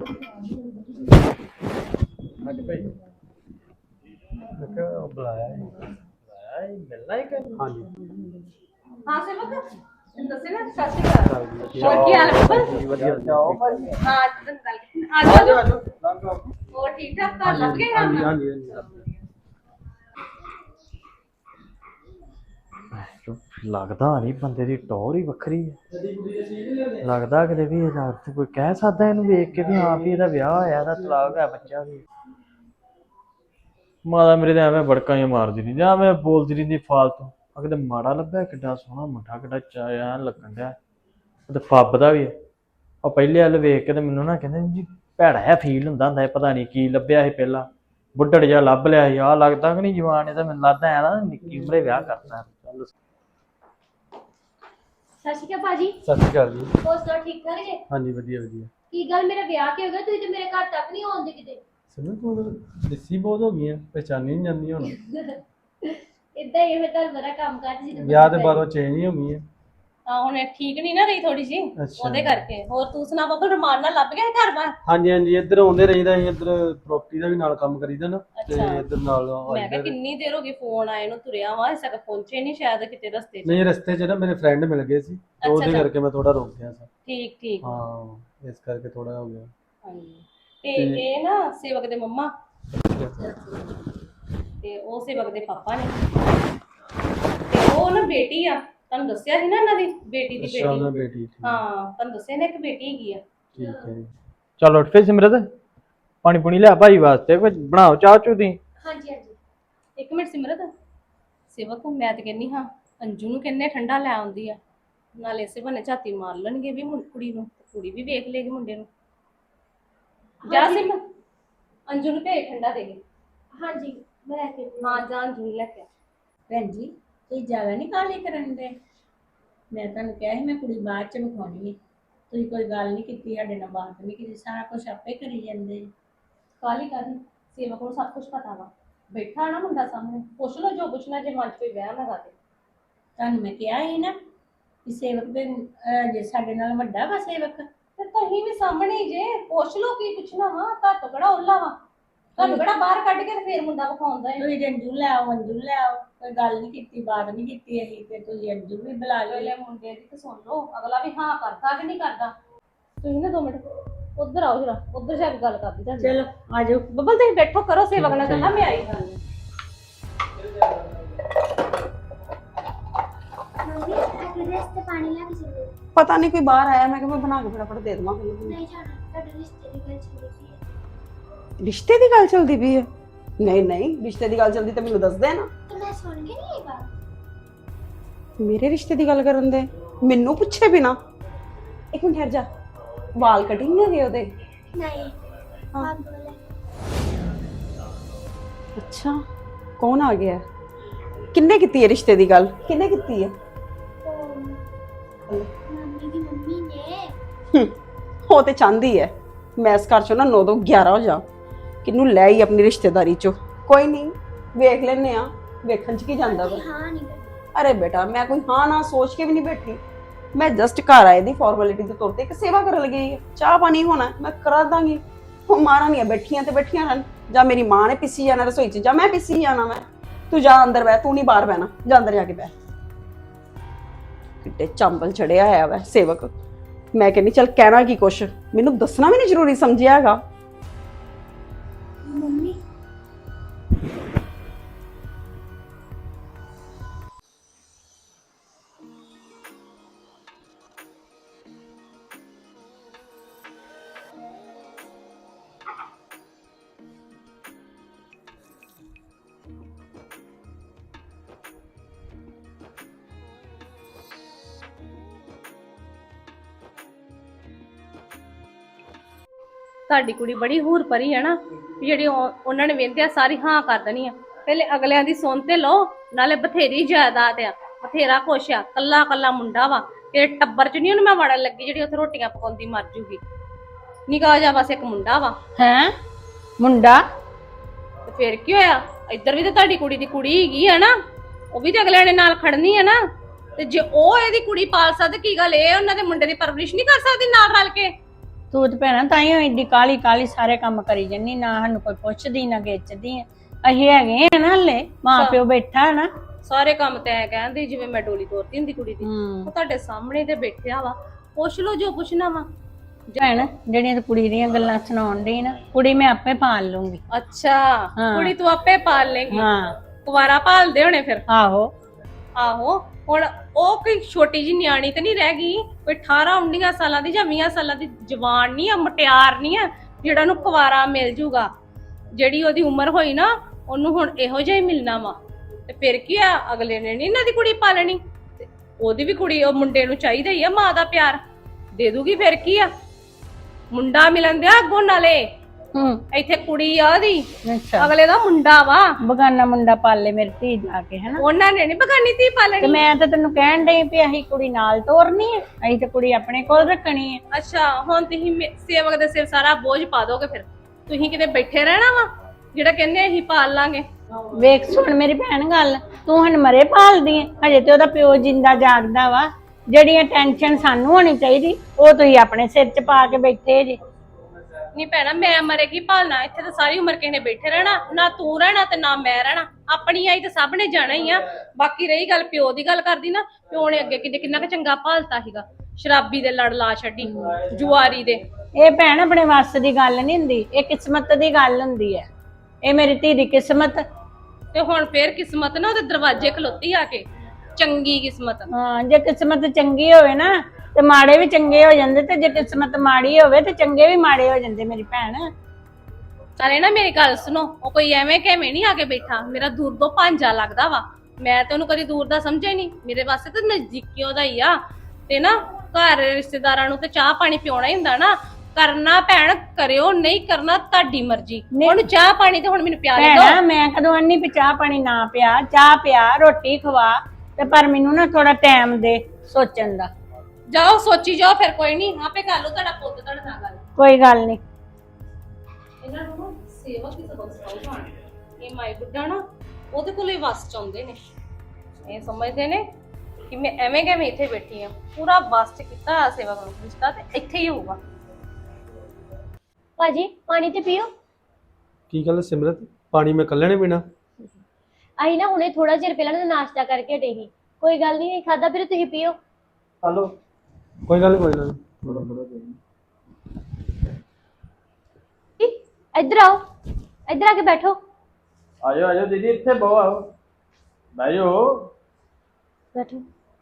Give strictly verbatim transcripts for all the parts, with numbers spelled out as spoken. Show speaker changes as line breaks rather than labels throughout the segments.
ਅੱਜ ਭਾਈ ਮੈਂ ਕਿਹਾ ਬੁਲਾਇਆ ਹੈ ਬੁਲਾਇਆ ਹੈ ਮਿਲਣਾ ਹੀ ਕਿ ਹਾਂਜੀ
हाँ सेवक दसे ना सत श्री अकाल और की हाल है बस
ਵਧੀਆ ਜਾਓ ਭਾਈ
हां आज आ जाओ आ जाओ और ठीक ठाक तो लग गए
ਹਾਂਜੀ ਹਾਂਜੀ ਹਾਂਜੀ ਲੱਗਦਾ ਨਹੀਂ ਬੰਦੇ ਦੀ ਟੌਰ ਹੀ ਵੱਖਰੀ ਹੈ ਲੱਗਦਾ ਕਿਤੇ ਵੀ ਇਹ ਕੋਈ ਕਹਿ ਸਕਦਾ ਇਹਨੂੰ ਵੇਖ ਕੇ ਵੀ ਹਾਂ ਵੀ ਇਹਦਾ ਵਿਆਹ ਹੋਇਆ ਇਹਦਾ ਤਲਾਕ ਹੈ ਬੱਚਾ ਵੀ ਮਾਤਾ ਮੇਰੇ ਤੇ ਐਵੇਂ ਬੜਕਾਂ ਹੀ ਮਾਰਦੀ ਨਹੀਂ ਜਾਂ ਮੈਂ ਬੋਲਦੀ ਰਹਿੰਦੀ ਫਾਲਤੂ ਆ ਕਿਤੇ ਮਾੜਾ ਲੱਭਿਆ ਕਿੱਡਾ ਸੋਹਣਾ ਮੁੰਡਾ ਕਿੱਡਾ ਚਾਇਆ ਲੱਗਣ ਡਿਆ ਤੇ ਫੱਬਦਾ ਵੀ ਉਹ ਪਹਿਲੇ ਵੱਲ ਵੇਖ ਕੇ ਤੇ ਮੈਨੂੰ ਨਾ ਕਹਿੰਦੇ ਜੀ ਭੈੜਾ ਜਿਹਾ ਫੀਲ ਹੁੰਦਾ ਹੁੰਦਾ ਪਤਾ ਨਹੀਂ ਕੀ ਲੱਭਿਆ ਸੀ ਪਹਿਲਾਂ ਬੁੱਢੜ ਜਿਹਾ ਲੱਭ ਲਿਆ ਸੀ ਆਹ ਲੱਗਦਾ ਕਿ ਨਹੀਂ ਜਵਾਨ ਇਹ ਤਾਂ ਮੈਨੂੰ ਲੱਗਦਾ ਐ ਨਾ ਨਿੱਕੀ ਉਮਰੇ ਵਿਆਹ ਕਰਤਾ ਚੱਲ
ਸਤਿ ਸ਼੍ਰੀ ਅਕਾਲ ਭਾਜੀ
ਸਤਿ ਸ਼੍ਰੀ ਅਕਾਲ ਜੀ
ਹੋਰ ਸਭ ਠੀਕ ਠਾਕ ਜੇ
ਹਾਂਜੀ ਵਧੀਆ ਵਧੀਆ
ਕੀ ਗੱਲ ਮੇਰਾ ਵਿਆਹ ਕਿ ਹੋ ਗਿਆ ਤੁਸੀਂ ਤੇ ਮੇਰੇ ਘਰ ਤੱਕ ਨਹੀਂ ਆਉਂਦੇ ਕਿਤੇ
ਸਮਝ ਤੂੰ ਦਿੱਸੀ ਬਹੁਤ ਹੋ ਗਈਆਂ ਪਹਿਚਾਨੀ ਨਹੀਂ ਜਾਂਦੀ ਹੁਣ
ਇਦਾਂ ਹੀ ਫਿਰ ਤਾਂ ਬੜਾ ਕੰਮ ਕਰ ਜੀ
ਵਿਆਹ ਦੇ ਬਾਅਦ ਚੇਂਜ ਹੀ ਹੋ ਗਈ ਹੈ
ਹਾਂ ਹੁਣ ਠੀਕ ਨਹੀਂ ਨਾ ਰਹੀ ਥੋੜੀ ਜੀ ਉਹਦੇ ਕਰਕੇ ਹੋਰ ਤੂੰ ਸੁਣਾ ਬੱਬਲ ਰਮਾਨ ਨਾਲ ਲੱਭ ਗਿਆ ਘਰ ਬਾਹਰ
ਹਾਂਜੀ ਹਾਂਜੀ ਇੱਧਰ ਆਉਂਦੇ ਰਹੀਦਾ ਅਸੀਂ ਇੱਧਰ ਪ੍ਰੋਪਰਟੀ ਦਾ ਵੀ ਨਾਲ ਕੰਮ ਕਰੀਦਾ ਨਾ ਤੇ ਇੱਧਰ ਨਾਲ
ਮੈਂ ਕਿਹਾ ਕਿੰਨੀ ਦੇਰ ਹੋ ਗਈ ਫੋਨ ਆਏ ਨੂੰ ਤੁਰਿਆ ਵਾ ਇਸੇ ਤੱਕ ਪਹੁੰਚੇ ਨਹੀਂ ਸ਼ਾਇਦ ਕਿਤੇ ਰਸਤੇ 'ਚ
ਨਹੀਂ ਰਸਤੇ 'ਚ ਨਾ ਮੇਰੇ ਫਰੈਂਡ ਮਿਲ ਗਏ ਸੀ ਉਹਦੇ ਕਰਕੇ ਮੈਂ ਥੋੜਾ ਰੁਕ ਗਿਆ ਸੀ
ਠੀਕ ਠੀਕ
ਹਾਂ ਇਸ ਕਰਕੇ ਥੋੜਾ ਹੋ ਗਿਆ
ਹਾਂਜੀ ਤੇ ਇਹ ਨਾ ਸੇਵਕ ਦੇ ਮੰਮਾ ਤੇ ਉਹ ਸੇਵਕ ਦੇ ਪਾਪਾ ਨੇ ਤੇ ਉਹ ਨਾ ਬੇਟੀ ਆ ਤੁਹਾਨੂੰ ਦੱਸਿਆ ਸੀ ਨਾ ਇਹਨਾਂ ਦੀ ਬੇਟੀ ਦੀ ਬੇਟੀ
ਬੇਟੀ
ਹਾਂ ਤੁਹਾਨੂੰ ਦੱਸਿਆ ਨਾ ਇੱਕ ਬੇਟੀ ਹੈਗੀ ਆ
ਠੀਕ ਹੈ ਚਲੋ ਉੱਠ ਫੇ ਸਿਮਰਤ ਪਾਣੀ ਪੁਣੀ ਲਿਆ ਭਾਈ ਵਾਸਤੇ ਕੁਝ ਬਣਾਓ ਚਾਹ ਚੂ ਦੀ
ਹਾਂਜੀ ਹਾਂਜੀ ਇੱਕ ਮਿੰਟ ਸਿਮਰਤ ਸੇਵਕ ਮੈਂ ਤੇ ਕਹਿੰਨੀ ਹਾਂ ਅੰਜੂ ਨੂੰ ਕਿੰਨੇ ਠੰਡਾ ਲੈ ਆਉਂਦੀ ਆ ਨਾਲੇ ਇਸੇ ਬਹਾਨੇ ਝਾਤੀ ਮਾਰ ਲੈਣਗੇ ਵੀ ਕੁੜੀ ਨੂੰ ਕੁੜੀ ਵੀ ਵੇਖ ਲੇਗੀ ਮੁੰਡੇ ਨੂੰ ਜਾ ਸਿਮ ਅੰਜੂ ਨੂੰ ਭੇਜ ਠੰਡਾ ਦੇ ਕੇ ਹਾਂਜੀ ਮੈਂ ਲੈ ਕੇ ਹਾਂ ਜਾ ਅੰਜੂ ਨੂੰ ਲੈ ਕੇ
ਭੈਣ ਜੀ ਤੁਸੀਂ ਜ਼ਿਆਦਾ ਨਹੀਂ ਕਾਹਲੀ ਕਰਨ ਦੇ ਮੈਂ ਤੁਹਾਨੂੰ ਕਿਹਾ ਸੀ ਮੈਂ ਕੁੜੀ ਬਾਅਦ ਚ ਵਿਖਾਉਣੀ ਹੈ ਤੁਸੀਂ ਕੋਈ ਗੱਲ ਨਹੀਂ ਕੀਤੀ ਸਾਡੇ ਨਾਲ ਬਾਤ ਨਹੀਂ ਕੀਤੀ ਸਾਰਾ ਕੁਝ ਆਪੇ ਕਰੀ ਜਾਂਦੇ
ਕਾਲੀ ਕਾਲੀ ਸੇਵਕ ਨੂੰ ਸਭ ਕੁਝ ਪਤਾ ਵਾ ਬੈਠਾ ਨਾ ਮੁੰਡਾ ਸਾਹਮਣੇ ਪੁੱਛ ਲਓ ਜੋ ਪੁੱਛਣਾ ਜੇ ਮਨ 'ਚ ਕੋਈ ਵਹਿਮ ਹੈਗਾ ਤੇ
ਤੁਹਾਨੂੰ ਮੈਂ ਕਿਹਾ ਸੀ ਨਾ ਕਿ ਸੇਵਕ ਦੇ ਜੇ ਸਾਡੇ ਨਾਲ ਵੱਡਾ ਵਾ ਸੇਵਕ
ਤੇ ਤੁਸੀਂ ਵੀ ਸਾਹਮਣੇ ਹੀ ਜੇ ਪੁੱਛ ਲਓ ਕੀ ਪੁੱਛਣਾ ਵਾ ਤਾਂ ਕਿਹੜਾ ਉੱਲਾ ਵਾ ਤੁਹਾਨੂੰ ਕਿਹੜਾ ਬਾਹਰ ਕੱਢ ਕੇ ਤੇ ਫੇਰ ਮੁੰਡਾ ਵਿਖਾਉਂਦਾ ਹੈ
ਤੁਸੀਂ ਅੰਜੂ ਲੈ ਆਓ ਅੰਜੂ ਲੈ ਆਓ ਕੋਈ ਗੱਲ ਨਹੀਂ ਕੀਤੀ ਬਾਤ ਨਹੀਂ ਕੀਤੀ ਅਸੀਂ ਤੇ ਤੁਸੀਂ ਅੰਜੂ ਵੀ ਬੁਲਾ ਲਿਓ
ਪਹਿਲੇ ਮੁੰਡੇ ਦੀ ਤੇ ਸੁਣ ਲਓ ਅਗਲਾ ਵੀ ਹਾਂ ਕਰਦਾ ਕਿ ਨਹੀਂ ਕਰਦਾ ਤੁਸੀਂ ਨਾ ਦੋ ਮਿੰਟ ਉੱਧਰ ਆਓ ਜਰਾ ਉੱਧਰ ਜਾ ਕੇ ਗੱਲ ਕਰਦੀ ਤਾਂ
ਚਲੋ ਆ ਜਾਓ
ਬੱਬਲ ਤੁਸੀਂ ਬੈਠੋ ਕਰੋ ਸੇਵਕ ਨਾਲ ਗੱਲਾਂ ਮੈਂ ਆਈ ਗੱਲ
ਪਤਾ ਨਹੀਂ ਕੋਈ ਬਾਹਰ ਆਇਆ ਮੈਂ ਕਿ ਮੈਂ ਬਣਾ ਕੇ ਫਟਾਫਟ ਦੇ ਦਵਾਂ
ਨਹੀਂ ਜਾਣਾ ਤੁਹਾਡੇ ਰਿਸ਼ਤੇ ਦੀ ਗੱਲ ਚੱਲਦੀ ਪਈ ਹੈ
ਰਿਸ਼ਤੇ ਦੀ ਗੱਲ ਚੱਲਦੀ ਪਈ ਹੈ ਨਹੀਂ ਨਹੀਂ ਰਿਸ਼ਤੇ ਦੀ ਗੱਲ ਚੱਲਦੀ ਤਾਂ ਮੈਨੂੰ ਦੱਸ ਦੇ ਨਾ
ਤੇ ਮੈਂ ਸੁਣ ਕੇ ਨਹੀਂ ਇਹ ਬਾਤ
ਮੇਰੇ ਰਿਸ਼ਤੇ ਦੀ ਗੱਲ ਕਰਨ ਦੇ ਮੈਨੂੰ ਪੁੱਛੇ ਬਿਨਾ ਇੱਕ ਮਿੰਟ ਠਹਿਰ ਜਾ ਵਾਲ ਕਟਿੰਗ ਹੈਗੇ ਉਹਦੇ
ਨਹੀਂ
ਹਾਂ।
ਹਾਂ ਬੋਲੇ
ਅੱਛਾ ਕੌਣ ਆ ਗਿਆ ਕਿੰਨੇ ਕੀਤੀ ਹੈ ਰਿਸ਼ਤੇ ਦੀ ਗੱਲ ਕਿੰਨੇ ਕੀਤੀ ਹੈ
ਉਹ ਮੰਮੀ ਦੀ ਮੰਮੀ ਨੇ
ਹੂੰ, ਉਹ ਤੇ ਚਾਹੁੰਦੀ ਹੈ ਮੈਂ ਇਸ ਘਰ ਚੋਂ ਨਾ ਨੌ ਤੋਂ ਗਿਆਰਾਂ ਹੋ ਜਾ ਕਿਹਨੂੰ ਲੈ ਆਈ ਆਪਣੀ ਰਿਸ਼ਤੇਦਾਰੀ ਚੋਂ ਕੋਈ ਨਹੀਂ ਵੇਖ ਲੈਨੇ ਆ ਵੇਖਣ ਚ ਕੀ ਜਾਂਦਾ ਵਾ
ਹਾਂ ਨਹੀਂ
ਅਰੇ ਬੇਟਾ ਮੈਂ ਕੋਈ ਹਾਂ ਨਾ ਸੋਚ ਕੇ ਵੀ ਨਹੀਂ ਬੈਠੀ ਮੈਂ ਜਸਟ ਘਰ ਆਏ ਦੀ ਫਾਰਮੈਲਿਟੀ ਦੇ ਤੌਰ ਤੇ ਇੱਕ ਸੇਵਾ ਕਰਨ ਲੱਗੀ ਹੈ ਚਾਹ ਪਾਣੀ ਹੋਣਾ ਮੈਂ ਕਰਾ ਦਾਂਗੀ ਉਹ ਮਾਰਾਂ ਨਹੀਂ ਬੈਠੀਆਂ ਤੇ ਬੈਠੀਆਂ ਰਹਿਣ ਜਾਂ ਮੇਰੀ ਮਾਂ ਨੇ ਪਿੱਸੀ ਜਾਣਾ ਰਸੋਈ ਚ ਜਾਂ ਮੈਂ ਪਿੱਸੀ ਜਾਣਾ ਮੈਂ ਤੂੰ ਜਾ ਅੰਦਰ ਬਹਿ ਤੂੰ ਨਹੀਂ ਬਾਹਰ ਬਹਿਣਾ ਜਾ ਅੰਦਰ ਜਾ ਕੇ ਬਹਿ ਕਿੱਡੇ ਚੰਬਲ ਚੜਿਆ ਹੋਇਆ ਵਾ ਸੇਵਕ ਮੈਂ ਕਹਿੰਦੀ ਚੱਲ ਕਹਿਣਾ ਕੀ ਕੁਛ ਮੈਨੂੰ ਦੱਸਣਾ ਵੀ ਨਹੀਂ ਜ਼ਰੂਰੀ ਸਮਝਿਆ ਹੈਗਾ
ਮੰਮੀ
ਤੁਹਾਡੀ ਕੁੜੀ ਬੜੀ ਹੂਰ ਪਰੀ ਹੈ ਨਾ ਜਿਹੜੀ ਉਹਨਾਂ ਨੇ ਵੇਂਦਿਆ ਸਾਰੀ ਹਾਂ ਕਰ ਦੇਣੀ ਆ ਪਹਿਲੇ ਅਗਲਿਆਂ ਦੀ ਸੁਣ ਤੇ ਲਓ ਨਾਲੇ ਬਥੇਰੀ ਜਾਇਦਾਦ ਆ ਬਥੇਰਾ ਕੁਛ ਆ ਕੱਲਾ ਕੱਲਾ ਮੁੰਡਾ ਵਾ ਇਹ ਟੱਬਰ ਚ ਨਹੀਂ ਉਹਨੂੰ ਮੈਂ ਵੜਨ ਲੱਗੀ ਜਿਹੜੀ ਉੱਥੇ ਰੋਟੀਆਂ ਪਕਾਉਂਦੀ ਮਰ ਜੂਗੀ ਨਿਕਾ ਜਾ ਬਸ ਇੱਕ ਮੁੰਡਾ ਵਾ
ਹੈ ਮੁੰਡਾ
ਤੇ ਫੇਰ ਕੀ ਹੋਇਆ ਇੱਧਰ ਵੀ ਤੇ ਤੁਹਾਡੀ ਕੁੜੀ ਦੀ ਕੁੜੀ ਹੈਗੀ ਆ ਨਾ ਉਹ ਵੀ ਤੇ ਅਗਲਿਆਂ ਨੇ ਨਾਲ ਖੜਨੀ ਆ ਨਾ ਤੇ ਜੇ ਉਹ ਇਹਦੀ ਕੁੜੀ ਪਾਲ ਸਕਦੇ ਕੀ ਗੱਲ ਇਹ ਉਹਨਾਂ ਦੇ ਮੁੰਡੇ ਦੀ ਪਰਵਰਿਸ਼ ਨਹੀਂ ਕਰ ਸਕਦੀ ਨਾਲ ਰਲ ਕੇ
ਤੂੰ ਤੇ ਭੈਣਾ ਤਾਂ ਹੀ ਏਡੀ ਕਾਲੀ ਕਾਲੀ ਸਾਰੇ ਕੰਮ ਕਰੀ ਜੰਨੀ, ਨਾ ਸਾਨੂੰ ਕੋਈ ਪੁੱਛਦੀ ਨਾ ਗਿੱਚਦੀ। ਅਸੀਂ ਹੈਗੇ ਆ ਨਾ ਹਲੇ, ਮਾਂ ਪਿਓ ਬੈਠਾ ਨਾ।
ਸਾਰੇ ਕੰਮ ਤੈਂ ਕਹਿੰਦੀ ਜਿਵੇਂ ਮੈਂ ਡੋਲੀ ਤੋਰਦੀ ਹੁੰਦੀ ਕੁੜੀ ਦੀ। ਉਹ ਤੁਹਾਡੇ ਸਾਹਮਣੇ ਤੇ ਬੈਠਿਆ ਵਾ, ਪੁੱਛ ਲਓ ਜੋ ਪੁੱਛਣਾ ਵਾ।
ਭੈਣ ਜਿਹੜੀਆਂ ਤੂੰ ਕੁੜੀ ਦੀਆਂ ਗੱਲਾਂ ਸੁਣਾਉਣ ਡਈ ਨਾ, ਕੁੜੀ ਮੈਂ ਆਪੇ ਪਾਲ ਲੂੰਗੀ।
ਅੱਛਾ, ਕੁੜੀ ਤੂੰ ਆਪੇ ਪਾਲ ਲੇਗੀ।
ਹਾਂ,
ਕੁਵਾਰਾ ਪਾਲਦੇ ਹੋਣੇ ਫਿਰ।
ਆਹੋ
ਆਹੋ, ਹੁਣ ਉਹ ਕੋਈ ਛੋਟੀ ਜੀ ਨਿਆਣੀ ਤੇ ਨਹੀਂ ਰਹਿ ਗਈ, ਕੋਈ ਅਠਾਰਾਂ ਉੱਨੀਆਂ ਸਾਲਾਂ ਦੀ ਜਾਂ ਵੀਹਾਂ ਸਾਲਾਂ ਦੀ ਜਵਾਨ ਨਹੀਂ ਆ, ਮਟਿਆਰ ਨਹੀਂ ਆ ਜਿਹੜਾ ਨੂੰ ਕੁਵਾਰਾ ਮਿਲ ਜੂਗਾ। ਜਿਹੜੀ ਉਹਦੀ ਉਮਰ ਹੋਈ ਨਾ, ਉਹਨੂੰ ਹੁਣ ਇਹੋ ਜਿਹਾ ਹੀ ਮਿਲਣਾ ਵਾ। ਤੇ ਫਿਰ ਕੀ ਆ, ਅਗਲੇ ਨੇ ਨਹੀਂ ਇਹਨਾਂ ਦੀ ਕੁੜੀ ਪਾਲਣੀ, ਤੇ ਉਹਦੀ ਵੀ ਕੁੜੀ, ਉਹ ਮੁੰਡੇ ਨੂੰ ਚਾਹੀਦਾ ਹੀ ਆ ਮਾਂ ਦਾ ਪਿਆਰ, ਦੇ ਦੂਗੀ। ਫਿਰ ਕੀ ਆ, ਮੁੰਡਾ ਮਿਲਣ ਦਿਆ ਅੱਗੋਂ ਨਾਲੇ।
ਹੂੰ,
ਇੱਥੇ ਕੁੜੀ ਆ ਉਹਦੀ,
ਅੱਛਾ
ਅਗਲੇ ਦਾ ਮੁੰਡਾ ਵਾ।
ਬਗਾਨਾ ਮੁੰਡਾ ਪਾਲੇ ਮੇਰੀ ਧੀ ਜਾ ਕੇ, ਹਨਾ।
ਉਹਨਾਂ ਨੇ ਨੀ ਬਗਾਨੀ ਧੀ
ਤੇ
ਪਾਲਣੀ।
ਮੈਂ ਤਾਂ ਤੈਨੂੰ ਕਹਿਣ ਡਈ ਵੀ ਅਸੀਂ ਕੁੜੀ ਨਾਲ ਤੋਰਨੀ ਹੈ, ਅਸੀਂ ਤੇ ਕੁੜੀ ਆਪਣੇ ਕੋਲ ਰੱਖਣੀ ਹੈ।
ਅੱਛਾ, ਹੁਣ ਤੁਸੀਂ ਮੇ- ਸੇਵਕ ਦੇ ਸਿਰ ਸਾਰਾ ਬੋਝ ਪਾ ਦੋਗੇ। ਫਿਰ ਤੁਸੀਂ ਕਿਤੇ ਬੈਠੇ ਰਹਿਣਾ ਵਾ, ਜਿਹੜਾ ਕਹਿੰਦੇ ਅਸੀਂ ਪਾਲ ਲਾਂਗੇ।
ਵੇਖ ਸੁਣ ਮੇਰੀ ਭੈਣ ਗੱਲ, ਤੂੰ ਹਣ ਮਰੇ ਭਾਲਦੀ ਹੈ, ਹਜੇ ਤੇ ਉਹਦਾ ਪਿਓ ਜਿੰਦਾ ਜਾਗਦਾ ਵਾ। ਜਿਹੜੀਆਂ ਟੈਨਸ਼ਨ ਸਾਨੂੰ ਹੋਣੀ ਚਾਹੀਦੀ, ਉਹ ਤੁਸੀਂ ਆਪਣੇ ਸਿਰ 'ਚ ਪਾ ਕੇ ਬੈਠੇ ਜੇ।
ਨਹੀਂ ਭੈਣਾ, ਮੈਂ ਮਰੇ ਕੀ ਭਾਲਣਾ, ਇੱਥੇ ਤਾਂ ਸਾਰੀ ਉਮਰ ਕਿਸੇ ਨੇ ਬੈਠੇ ਰਹਿਣਾ, ਨਾ ਤੂੰ ਰਹਿਣਾ ਤੇ ਨਾ ਮੈਂ ਰਹਿਣਾ। ਆਪਣੀ ਆਈ ਤੇ ਸਭ ਨੇ ਜਾਣਾ ਹੀ ਆ। ਬਾਕੀ ਰਹੀ ਗੱਲ ਪਿਓ ਦੀ ਗੱਲ ਕਰਦੀ ਨਾ, ਪਿਓ ਨੇ ਅੱਗੇ ਕਿੰਨੇ ਕਿੰਨਾ ਕੁ ਚੰਗਾ ਭਾਲਤਾ ਸੀਗਾ। ਸ਼ਰਾਬੀ ਦੇ ਲੜ ਲਾ ਛੱਡੀ, ਜੁਆਰੀ ਦੇ।
ਇਹ ਭੈਣ ਆਪਣੇ ਵੱਸ ਦੀ ਗੱਲ ਨਹੀਂ ਹੁੰਦੀ, ਇਹ ਕਿਸਮਤ ਦੀ ਗੱਲ ਹੁੰਦੀ ਹੈ। ਇਹ ਮੇਰੀ ਧੀ ਦੀ ਕਿਸਮਤ।
ਤੇ ਹੁਣ ਫੇਰ ਕਿਸਮਤ ਨਾ ਉਹਦੇ ਦਰਵਾਜ਼ੇ ਖਲੋਤੀ ਆ ਕੇ, ਚੰਗੀ ਕਿਸਮਤ।
ਹਾਂ, ਜੇ ਕਿਸਮਤ ਚੰਗੀ ਹੋਵੇ ਨਾ ਤੇ ਮਾੜੇ ਵੀ ਚੰਗੇ ਹੋ ਜਾਂਦੇ, ਤੇ ਜੇ ਕਿਸਮਤ ਮਾੜੀ ਹੋਵੇ ਤੇ ਚੰਗੇ ਵੀ ਮਾੜੇ ਹੋ ਜਾਂਦੇ ਮੇਰੀ ਭੈਣ।
ਚਾਲੇ ਨਾ ਮੇਰੀ ਗੱਲ ਸੁਣੋ, ਉਹ ਕੋਈ ਐਵੇਂ ਕਿਵੇਂ ਨਹੀਂ ਆ ਕੇ ਬੈਠਾ, ਮੇਰਾ ਦੂਰ ਤੋਂ ਭਾਂਜਾ ਲੱਗਦਾ ਵਾ। ਮੈਂ ਤੇ ਉਹਨੂੰ ਕਦੀ ਦੂਰ ਦਾ ਸਮਝਿਆ ਹੀ ਨਹੀਂ, ਮੇਰੇ ਵਾਸਤੇ ਤਾਂ ਨਜ਼ਦੀਕੀ ਉਹਦਾ ਹੀ ਆ। ਤੇ ਨਾ ਘਰ ਰਿਸ਼ਤੇਦਾਰਾਂ ਨੂੰ ਤੇ ਚਾਹ ਪਾਣੀ ਪਿਉਣਾ ਹੀ ਹੁੰਦਾ ਨਾ। ਕਰਨਾ ਭੈਣ ਕਰਿਓ, ਨਹੀਂ ਕਰਨਾ ਤੁਹਾਡੀ ਮਰਜ਼ੀ। ਉਹਨੂੰ ਚਾਹ ਪਾਣੀ ਤੇ ਹੁਣ ਮੈਨੂੰ ਪਿਆ ਲੈ
ਭੈਣਾ ਮੈਂ ਕਦੋਂ ਅੰਨੀ ਵੀ ਚਾਹ ਪਾਣੀ ਨਾ ਪਿਆ, ਚਾਹ ਪਿਆ, ਰੋਟੀ ਖਵਾ, ਤੇ ਪਰ ਮੈਨੂੰ ਨਾ ਥੋੜਾ ਟਾਈਮ ਦੇ ਸੋਚਣ ਦਾ।
ਜਾਓ ਸੋਚੀ ਜਾਓ, ਫਿਰ ਕੋਈ ਨਹੀਂ, ਆਪੇ ਕਰ ਲਓ ਤੁਹਾਡਾ ਪੁੱਤ ਤੁਹਾਡੇ ਨਾਲ ਗੱਲ।
ਕੋਈ ਗੱਲ ਨਹੀਂ।
ਇਹਨਾਂ ਨੂੰ ਸੇਵਕ ਦੀ ਸਬਕ ਸਿਖਾਓ ਜਾਣ। ਇਹ ਮਾਈ ਬੁੱਢਾ ਨਾ ਉਹਦੇ ਕੋਲ ਹੀ ਵਸ ਚਾਹੁੰਦੇ ਨੇ। ਇਹ ਸਮਝਦੇ ਨੇ ਕਿ ਮੈਂ ਐਵੇਂ ਕਿਵੇਂ ਇੱਥੇ ਬੈਠੀ ਆ। ਪੂਰਾ ਵਸ ਚ ਕੀਤਾ ਸੇਵਕ ਨੂੰ, ਰਿਸ਼ਤਾ ਤੇ ਇੱਥੇ ਹੀ ਹੋਊਗਾ।
ਭਾਜੀ ਪਾਣੀ ਤੇ ਪੀਓ।
ਕੀ ਗੱਲ ਸਿਮਰਤ, ਪਾਣੀ ਮੈਂ ਇਕੱਲੇ ਨੇ ਪੀਣਾ?
ਆਈ ਨਾ ਹੁਣੇ ਥੋੜਾ ਚਿਰ ਪਹਿਲਾਂ ਨਾ ਨਾਸ਼ਤਾ ਕਰਕੇ ਹਟੇ ਸੀ। ਕੋਈ ਗੱਲ ਨਹੀਂ, ਖਾਦਾ ਫਿਰ ਤੁਸੀਂ ਪੀਓ।
ਹਲੋ, ਕੋਈ ਗੱਲ ਨੀ, ਕੋਈ ਗੱਲ ਨੀ। ਥੋੜਾ ਥੋੜਾ
ਈ, ਇੱਧਰ ਆਓ, ਇੱਧਰ ਆ ਕੇ ਬੈਠੋ।
ਆਜੋ ਆਜੋ ਦੀਦੀ, ਇੱਥੇ ਬਹੁ ਆਓ, ਬੈਜੋ।
ਬੈਠੋ।